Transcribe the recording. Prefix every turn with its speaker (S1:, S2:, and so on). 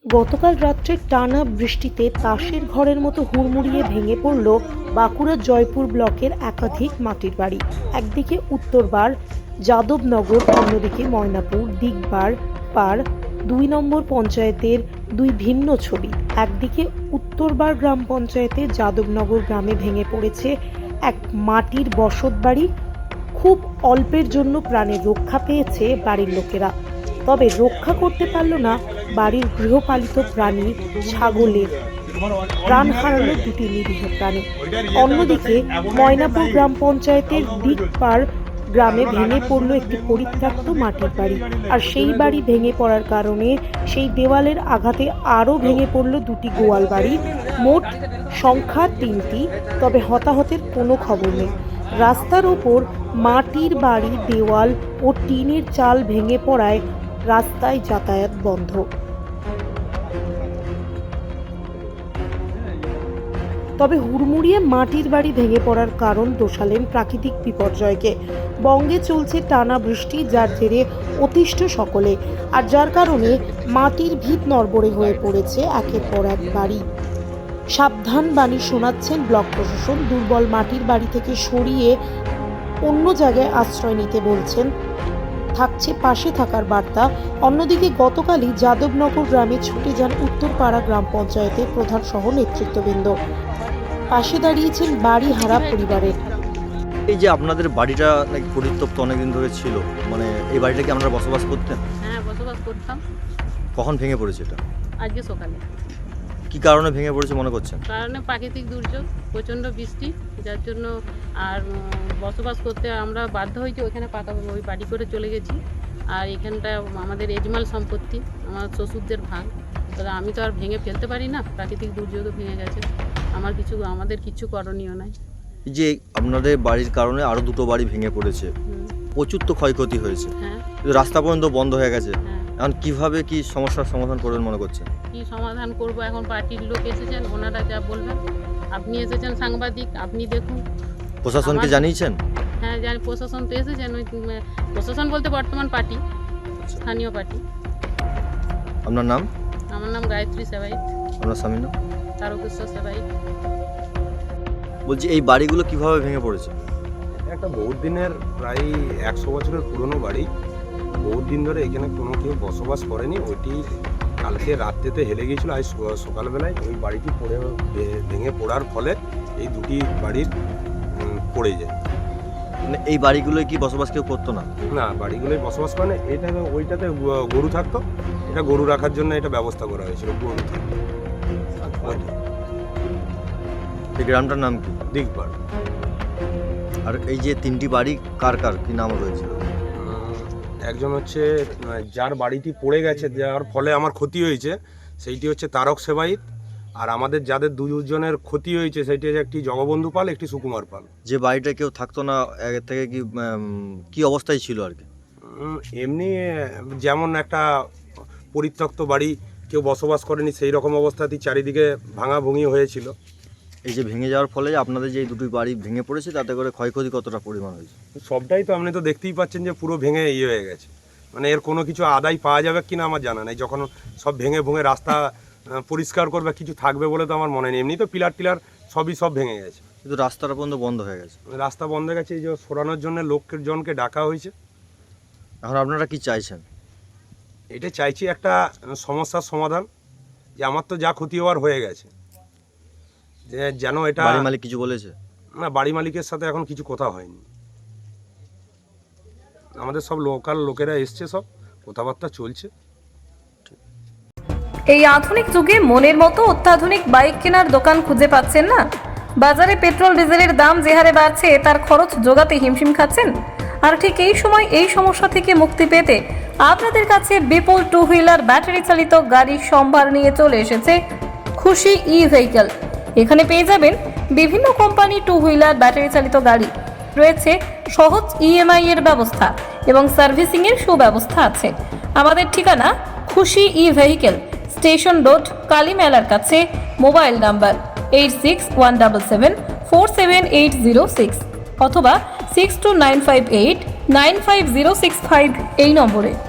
S1: গতকাল রাত্রে টানা বৃষ্টিতে তাসের ঘরের মতো হুড়মুড়িয়ে ভেঙে পড়ল বাঁকুড়ার জয়পুর ব্লকের একাধিক মাটির বাড়ি। একদিকে উত্তরবার যাদবনগর, অন্যদিকে ময়নাপুর দিগবার পাড় ২ নম্বর পঞ্চায়েতের দুই ভিন্ন ছবি। একদিকে উত্তরবার গ্রাম পঞ্চায়েতের যাদবনগর গ্রামে ভেঙে পড়েছে এক মাটির বসত বাড়ি। খুব অল্পের জন্য প্রাণের রক্ষা পেয়েছে বাড়ির লোকেরা, তবে রক্ষা করতে পারল না বাড়ির গৃহপালিত প্রাণী ছাগলের। প্রাণ হারালো দুটি নিরীহ প্রাণী। অন্যদিকে ময়নাপুর গ্রাম পঞ্চায়েতের দিগপাড় গ্রামে ভেঙে পড়ল একটি পরিত্যক্ত মাটির বাড়ি, আর সেই বাড়ি ভেঙে পড়ার কারণে সেই দেওয়ালের আঘাতে আরও ভেঙে পড়ল দুটি গোয়াল বাড়ি। মোট সংখ্যা ৩টি, তবে হতাহতের কোনো খবর নেই। রাস্তার ওপর মাটির বাড়ি, দেওয়াল ও টিনের চাল ভেঙে পড়ায় রাস্তায় যাতায়াত বন্ধ। তবে হুড়মুড়িয়ে মাটির বাড়ি ভেঙে পড়ার কারণ দোষালেন প্রাকৃতিক বিপর্যয়কে। বঙ্গে চলছে টানা বৃষ্টি, যার জেরে অতিষ্ঠ সকলে, আর যার কারণে মাটির ভিত নড়বড়ে হয়ে পড়েছে একের পর এক বাড়ি। সাবধান বাণী শোনাচ্ছেন ব্লক প্রশাসন। দুর্বল মাটির বাড়ি থেকে সরিয়ে অন্য জায়গায় আশ্রয় নিতে বলছেন, থাকছে পাশে থাকার বার্তা। অন্যদিকে গতকালই যাদবনগর গ্রামে ছুটে যান উত্তরপাড়া গ্রাম পঞ্চায়েতের প্রধান সহ নেতৃত্ববৃন্দ। পাশে দাঁড়িয়েছেন বাড়ি হারা পরিবারের।
S2: এই যে আপনাদের বাড়িটা নাকি পরিত্যক্ত অনেকদিন ধরে ছিল, মানে এই বাড়িটা কি আপনারা বসবাস করতেন?
S3: হ্যাঁ, বসবাস করতাম।
S2: কখন ভেঙে পড়েছে এটা?
S3: আজকে সকালে।
S2: কি কারণে ভেঙে পড়েছে মনে করছেন?
S3: কারণে প্রাকৃতিক দুর্যোগ, প্রচণ্ড বৃষ্টি, যার জন্য আর বসবাস করতে আমরা বাধ্য হয়েছি। ওইখানে ওই বাড়ি করে চলে গেছি। আর এখানটা আমাদের এজমাল সম্পত্তি, আমার শ্বশুরদের ভাগ। তাহলে আমি তো আর ভেঙে ফেলতে পারি না, প্রাকৃতিক দুর্যোগে ভেঙে গেছে। আমাদের কিছু করণীয় নাই।
S2: এই যে আপনাদের বাড়ির কারণে আরো দুটো বাড়ি ভেঙে পড়েছে, প্রচুর তো ক্ষয়ক্ষতি হয়েছে।
S3: হ্যাঁ,
S2: রাস্তা পর্যন্ত বন্ধ হয়ে গেছে।
S3: হ্যাঁ।
S2: এখন কিভাবে কি সমস্যার সমাধান করবেন মনে করছেন?
S3: কি সমাধান করব? এখন পার্টির লোক এসেছেন, ওনারা যা বলবেন। আপনি এসেছেন সাংবাদিক, আপনি দেখুন।
S2: প্রশাসনকে জানিয়েছেন?
S3: হ্যাঁ জানি, প্রশাসন তো এসেছেন। ওই প্রশাসন বলতে বর্তমান পার্টি, স্থানীয় পার্টি।
S2: আপনার নাম?
S3: আমার নাম গায়ত্রী সেবাইত।
S2: আপনার স্বামীর নাম?
S3: তারকেশ্বর সেবাইত।
S2: বলছি এই বাড়িগুলো কিভাবে ভেঙে পড়েছে?
S4: একটা বহুত দিনের, প্রায় 100 বছরের পুরনো বাড়ি। বহুত দিন ধরে এখানে কোনো কেউ বসবাস করেনি। ওইটি কালকে রাত্রেতে হেলে গিয়েছিল, আজ সকালবেলায় ওই বাড়িটি ভেঙে পড়ার ফলে এই দুটি বাড়ির পড়ে যায়।
S2: মানে এই বাড়িগুলোয় কি বসবাস কেউ করতো না?
S4: না, বাড়িগুলোই বসবাস করে না। ওইটাতে গরু থাকতো, এটা গরু রাখার জন্য এটা ব্যবস্থা করা হয়েছিল। গরু থাকতো।
S2: এই গ্রামটার নাম কি?
S4: দিগবার।
S2: আর এই যে 3টি বাড়ি কার কার কি নাম রয়েছে?
S4: একজন হচ্ছে যার বাড়িটি পড়ে গেছে, যার ফলে আমার ক্ষতি হয়েছে, সেইটি হচ্ছে তারক সেবাইত। আর আমাদের যাদের দুজনের ক্ষতি হয়েছে সেইটি হচ্ছে একটি জগবন্ধু পাল, একটি সুকুমার পাল।
S2: যে বাড়িটা কেউ থাকতো না আগে থেকে, কি অবস্থায় ছিল আর কি?
S4: এমনি যেমন একটা পরিত্যক্ত বাড়ি, কেউ বসবাস করেনি, সেই রকম অবস্থাতেই চারিদিকে ভাঙাভুঙি হয়েছিল।
S2: এই যে ভেঙে যাওয়ার ফলে আপনাদের যে দুটি বাড়ি ভেঙে পড়েছে, তাতে করে ক্ষয়ক্ষতি কতটা পরিমাণ হয়েছে?
S4: সবটাই তো আপনি তো দেখতেই পাচ্ছেন যে পুরো ভেঙে হয়ে গেছে। মানে এর কোনো কিছু আদায় পাওয়া যাবে কিনা আমার জানা নেই। যখন সব ভেঙে ভুঙে রাস্তা পরিষ্কার করবে, কিছু থাকবে বলে তো আমার মনে নেই। এমনি তো পিলার টিলার সব ভেঙে গেছে,
S2: কিন্তু রাস্তাটা পর্যন্ত বন্ধ হয়ে গেছে।
S4: রাস্তা বন্ধ হয়ে গেছে। এই যে সরানোর জন্য জনকে ডাকা হয়েছে।
S2: এখন আপনারা কি চাইছেন?
S4: এটা চাইছি একটা সমস্যার সমাধান, যে আমার তো যা ক্ষতি হওয়ার হয়ে গেছে, যে যেন এটা।
S2: বাড়ি মালিক কিছু বলেছে?
S4: না, বাড়ি মালিকের সাথে এখন কিছু কথা হয়নি। আমাদের সব লোকাল লোকেরা এসছে, সব কথাবার্তা চলছে।
S5: এই আধুনিক যুগে মনের মতো অত্যাধুনিক বাইক কেনার দোকান খুঁজে পাচ্ছেন না? বাজারে পেট্রোল ডিজেলের দাম যে হারে বাড়ছে, তার খরচ জোগাতে হিমশিম খাচ্ছেন। আর ঠিক এই সময় এই সমস্যা থেকে মুক্তি পেতে আপনাদের কাছে বিপুল 2 হুইলার ব্যাটারি চালিত গাড়ির সম্ভার নিয়ে চলে এসেছে খুশি ই-ভেহিকল। এখানে পেয়ে যাবেন বিভিন্ন কোম্পানি 2 হুইলার ব্যাটারি চালিত গাড়ি। রয়েছে সহজ ইএমআই এর ব্যবস্থা এবং সার্ভিসিং এর সুব্যবস্থা আছে। আমাদের ঠিকানা খুশি ই-ভেহিকল, স্টেশন রোড, কালী মেলার কাছে। মোবাইল নাম্বার 8617747806 অথবা 6295895065 এই নম্বরে।